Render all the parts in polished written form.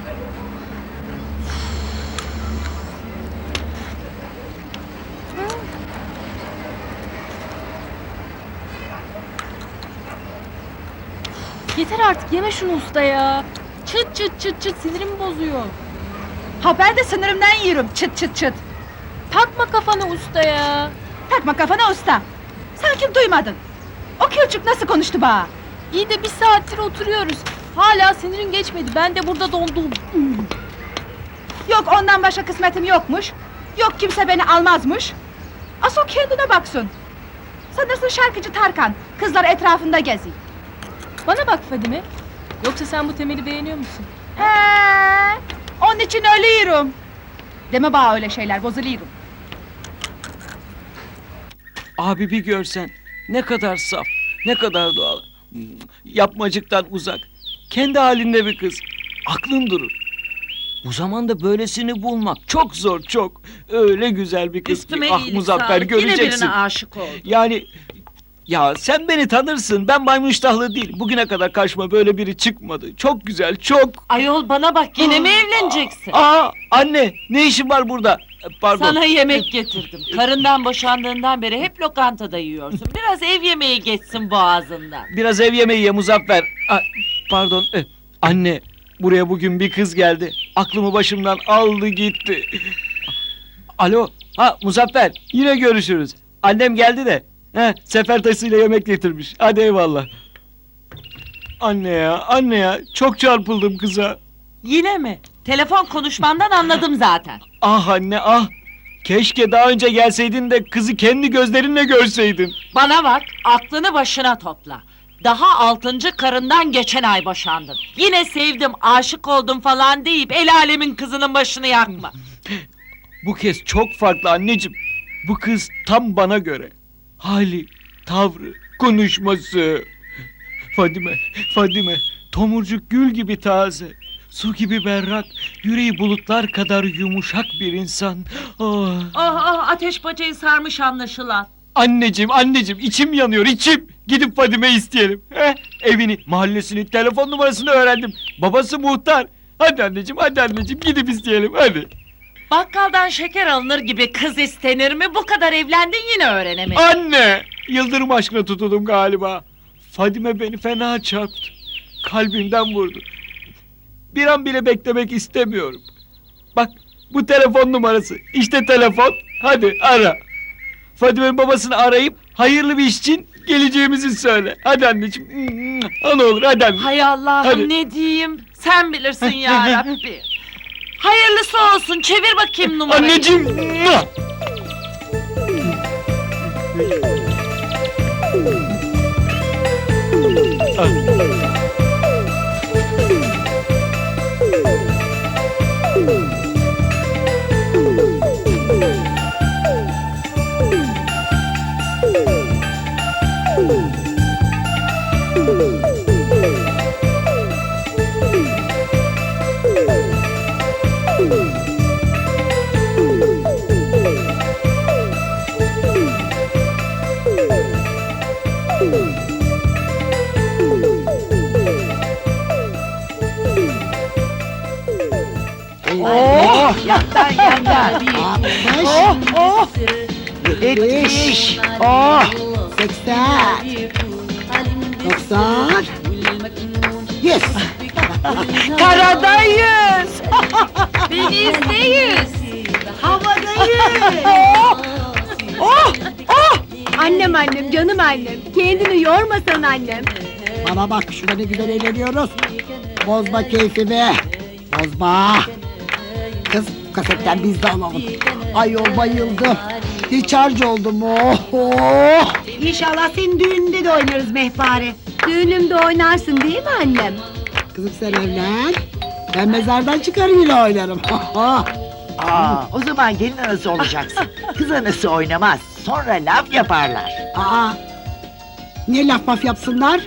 Yeter artık, yeme şunu usta ya. Çıt çıt çıt çıt sinirimi bozuyor. Ha ben de sınırımdan yiyorum çıt çıt çıt. Takma kafana usta ya. Takma kafana usta. Sanki duymadın. O kılçık nasıl konuştu bana? İyi de bir saattir oturuyoruz. Hala sinirin geçmedi. Ben de burada dondum. Yok ondan başka kısmetim yokmuş. Yok kimse beni almazmış. Asıl kendine baksın. Sanırsın şarkıcı Tarkan. Kızlar etrafında geziyor. Bana bak Fadime. Yoksa sen bu Temel'i beğeniyor musun? Onun için ölüyorum. Deme bana öyle şeyler, bozuluyorum. Abi bir görsen ne kadar saf, ne kadar doğal. Yapmacıktan uzak. Kendi halinde bir kız. Aklın durur. Bu zamanda böylesini bulmak çok zor, çok. Öyle güzel bir kız Üstüme ki. Ah iyilik Muzaffer, sağlık. Yine göreceksin. birine aşık oldum. Yani ya sen beni tanırsın. Ben maymun iştahlı değil. Bugüne kadar karşıma böyle biri çıkmadı. Çok güzel, çok. Ayol bana bak, yine mi evleneceksin? Aa anne, ne işin var burada? Pardon. Sana yemek getirdim. Karından boşandığından beri hep lokantada yiyorsun. Biraz ev yemeği geçsin boğazından. Biraz ev yemeği ye Muzaffer. Pardon. Anne, buraya bugün bir kız geldi. Aklımı başımdan aldı gitti. Alo. Ha Muzaffer, yine görüşürüz. Annem geldi de. Sefer taşıyla yemek getirmiş. Hadi eyvallah. Anne ya. Çok çarpıldım kıza. Yine mi? Telefon konuşmandan anladım zaten. Ah anne ah. Keşke daha önce gelseydin de kızı kendi gözlerinle görseydin. Bana bak, aklını başına topla. Daha 6. karından geçen ay boşandın. Yine sevdim, aşık oldum falan deyip el alemin kızının başını yakma. Bu kez çok farklı anneciğim. Bu kız tam bana göre. Hali, tavrı, konuşması. Fadime, tomurcuk gül gibi taze. Su gibi berrak, yüreği bulutlar kadar yumuşak bir insan. Oh. Ateş bacayı sarmış anlaşılan. Anneciğim, içim yanıyor, içim. Gidip Fadime isteyelim. Evini, mahallesini, telefon numarasını öğrendim. Babası muhtar. Hadi anneciğim, gidip isteyelim, hadi. Bakkaldan şeker alınır gibi kız istenir mi? Bu kadar evlendin yine öğrenemedin. Anne! Yıldırım aşkına tutuldum galiba. Fadime beni fena çarptı. Kalbimden vurdu. Bir an bile beklemek istemiyorum. Bak, bu telefon numarası. İşte telefon. Hadi ara. Fadime'nin babasını arayıp hayırlı bir iş için geleceğimizi söyle. Hadi anneciğim. Ne olur hadi anne. Hay Allah'ım, Hadi. ne diyeyim? Sen bilirsin ya Rabbi. Hayırlısı olsun. Çevir bakayım numarayı. Anneciğim. Yaktan yanda. 70. 80. 90. 100. Karadayız. Denizdeyiz. Havadayız. Annem, canım annem. Kendini yormasan annem. Bana bak, şurada ne güzel eğleniyoruz. Bozma keyfimi. Bozma. Kız, kasetten biz de alalım. Ayol bayıldım. Hiç harç oldum. Oh. İnşallah senin düğününde de oynarız Mehpare. Düğünümde oynarsın değil mi annem? Kızım sen evlen. Ben mezardan çıkar yine oynarım. O zaman gelin anası olacaksın. Kız anası oynamaz. Sonra laf yaparlar. Ne laf maf yapsınlar?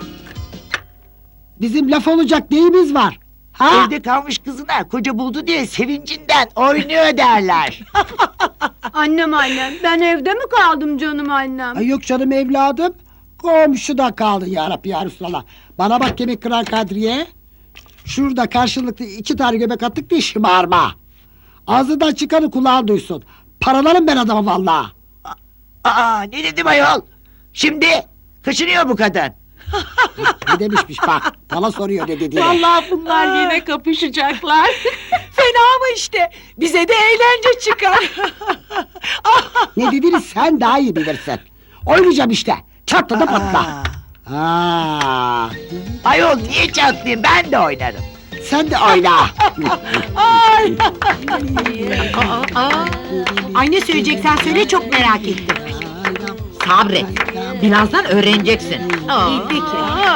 Bizim laf olacak neyimiz var? Evde kalmış kızına koca buldu diye sevincinden oynuyor derler. Annem, ben evde mi kaldım canım annem? Ay yok canım evladım. Komşuda kaldın yarabbi ya Resulallah. Bana bak kemik kırar Kadriye. Şurada karşılıklı 2 tane göbek attık diye şımarma. Ağzından çıkanı kulağın duysun. Paralarım ben adama vallahi. Aa, ne dedim ayol? Şimdi kaçınıyor bu kadın. Ne demişmiş bak. Bana soruyor ne dediğini. Vallahi bunlar yine kapışacaklar. Fena mı işte? Bize de eğlence çıkar. Ne dediğini sen daha iyi bilirsin. Oynayacağım işte. Çatla da patla. Aa, Ayol niye çatlayayım, ben de oynarım. sen de oyna. Ay ne söyleyeceksen söyle, çok merak ettim. Sabret. Birazdan öğreneceksin. İyi peki.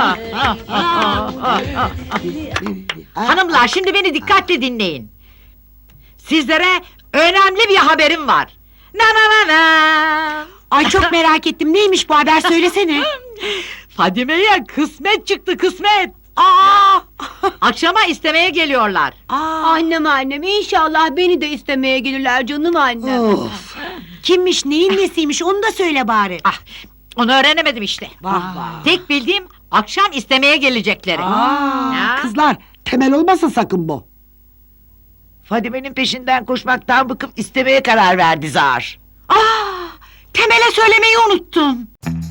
Hanımlar şimdi beni dikkatle dinleyin. Sizlere önemli bir haberim var. Na na na na. Ay çok merak ettim. Neymiş bu haber, söylesene. Fadime'ye kısmet çıktı, kısmet. Aa! Akşama istemeye geliyorlar. Annem inşallah beni de istemeye gelirler canım annem. Of. Kimmiş, neyin nesiymiş, onu da söyle bari. Ah, onu öğrenemedim işte. Vah vah. Tek bildiğim akşam istemeye gelecekleri. Ya. Kızlar temel olmasın sakın bu. Fadime'nin peşinden koşmaktan bıkıp istemeye karar verdi zar. Temel'e söylemeyi unuttum.